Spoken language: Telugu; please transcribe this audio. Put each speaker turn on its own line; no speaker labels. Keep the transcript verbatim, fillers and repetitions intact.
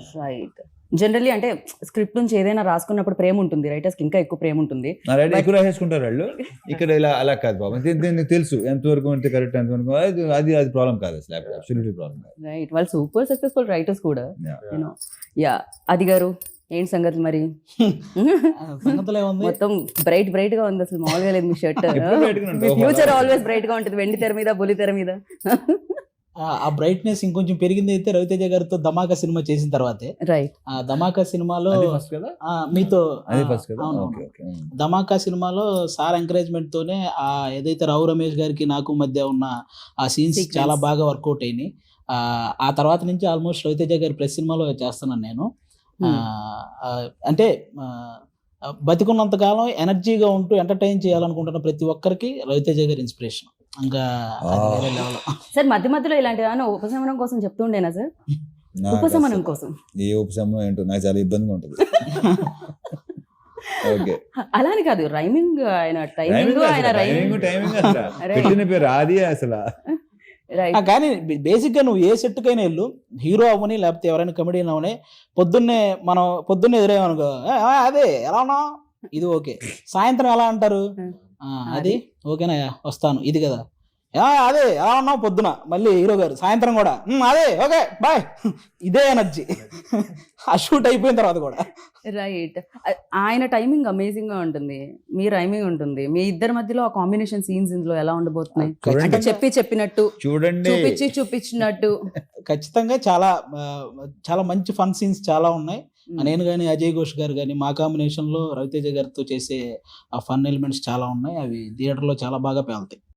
రైట్. జనరల్లీ అంటే స్క్రిప్ట్ నుంచి ఏదైనా రాసుకున్నప్పుడు ప్రేమ ఉంటుంది, రైటర్స్ కి ఇంకా ఎక్కువ ప్రేమ ఉంటుంది.
రైట్ ఎక్కువ రాసేసుకుంటారు వాళ్ళు. ఇక్కడ ఇలా అలా కాదు బాబు, దీనికి తెలుసు ఎంతవరకు అంటే కరెక్ట్, ఎంతవరకు అది అది అది ప్రాబ్లం కాదు అసలు, అబ్సల్యూట్లీ ప్రాబ్లం కాదు.
రైట్, వాళ్ళు సూపర్ సక్సెస్ఫుల్ రైటర్స్ కూడా.
Yeah.
యూనో యా అది గారు ఏంటి సంగతి మరి?
సంగతులు ఏముంది,
మొత్తం బ్రైట్ బ్రైట్ గా ఉంది, అసలు మామూలుగా లేదు మీ షర్ట్.
ఎప్పుడు bright గానే ఉంటుంది.
ఫ్యూచర్ ఆల్వేస్ బ్రైట్ గా ఉంటుంది, వెండి తెర మీద బుల్లి తెర మీద.
ఆ బ్రైట్నెస్ ఇంకొంచెం పెరిగింది అయితే రవితేజ గారితో ధమాకా సినిమా చేసిన తర్వాతే.
రైట్.
ఆ ధమాకా సినిమాలో
అది first కదా?
ఆ, మీతో
అది
ఆ,
ఫస్ట్ కదా?
అవును,
ఓకే ఓకే.
ధమాకా సినిమాలో సార్ ఎంకరేజ్మెంట్ తోనే ఆ ఏదైతే రావు రమేష్ గారికి నాకు మధ్య ఉన్న ఆ సీన్స్
Sequence.
చాలా బాగా వర్కౌట్ అయినాయి. ఆ ఆ తర్వాత నుంచి ఆల్మోస్ట్ రవితేజ గారి ప్రెస్ సినిమాలో చేస్తున్నాను నేను. ఆ, ఆ, అంటే ఆ, బతికున్నంత కాలం ఎనర్జీగా ఉంటూ ఎంటర్టైన్ చేయాలనుకుంటున్న ప్రతి ఒక్కరికి రవితేజ గారి ఇన్స్పిరేషన్. ఇంకా అది వేరే level.
సార్ మధ్య మధ్యలో ఇలాంటి ఏమైనా ఉపశమనం కోసం చెప్తుండేనా సార్?
నాకు
ఉపశమనం
అసలు
కోసం
ఏ ఉపశమనం ఏంటో నాకు చాలా ఇబ్బందిగా ఉంటుంది. ఓకే,
అలాని కాదు, రైమింగ్ ఆయన టైమింగ్ ఆయన
టైమింగ్ టైమింగ్ అసలు
Right.
పెట్టిన పేరు అది అసలు.
రైట్.
ఆ, కానీ బేసిక్గా నువ్వు ఏ సెట్కైనా వెళ్ళు, హీరో అవ్వని లేకపోతే ఎవరైనా కమెడియన్ అవని, పొద్దున్నే మనం పొద్దున్నే ఎదురేమనుకో, "ఏ, ఆ, అదే ఎలా ఉన్నావు, ఇది ఓకే." సాయంత్రం ఎలా అంటారు, "ఆ, అది ఓకేనా, వస్తాను, ఇది కదా, "ఆ, అదే ఎలా ఉన్నావు పొద్దున." మళ్ళీ హీరో గారు సాయంత్రం కూడా, "ఉమ్, అదే ఓకే బాయ్." ఇదే ఎనర్జీ ఆ షూట్ అయిపోయిన తర్వాత కూడా.
రైట్. ఆయన టైమింగ్ అమేజింగ్ గా ఉంటుంది, మీ రైమింగ్ ఉంటుంది, మీ ఇద్దరి మధ్యలో ఆ కాంబినేషన్ సీన్స్ ఇందులో ఎలా ఉండబోతున్నాయి?
చూడండి.
అంటే చెప్పి చెప్పినట్టు,
చూడండి,
చూపించి చూపించినట్టు.
ఖచ్చితంగా చాలా ఆ, చాలా మంచి ఫన్ సీన్స్ చాలా ఉన్నాయి. నేను కానీ అజయ్ ఘోష్ గారు కానీ మా కాంబినేషన్లో రవితేజ గారితో చేసే ఆ ఫన్ ఎలిమెంట్స్ చాలా ఉన్నాయి. అవి థియేటర్లో చాలా బాగా పేలుతాయి.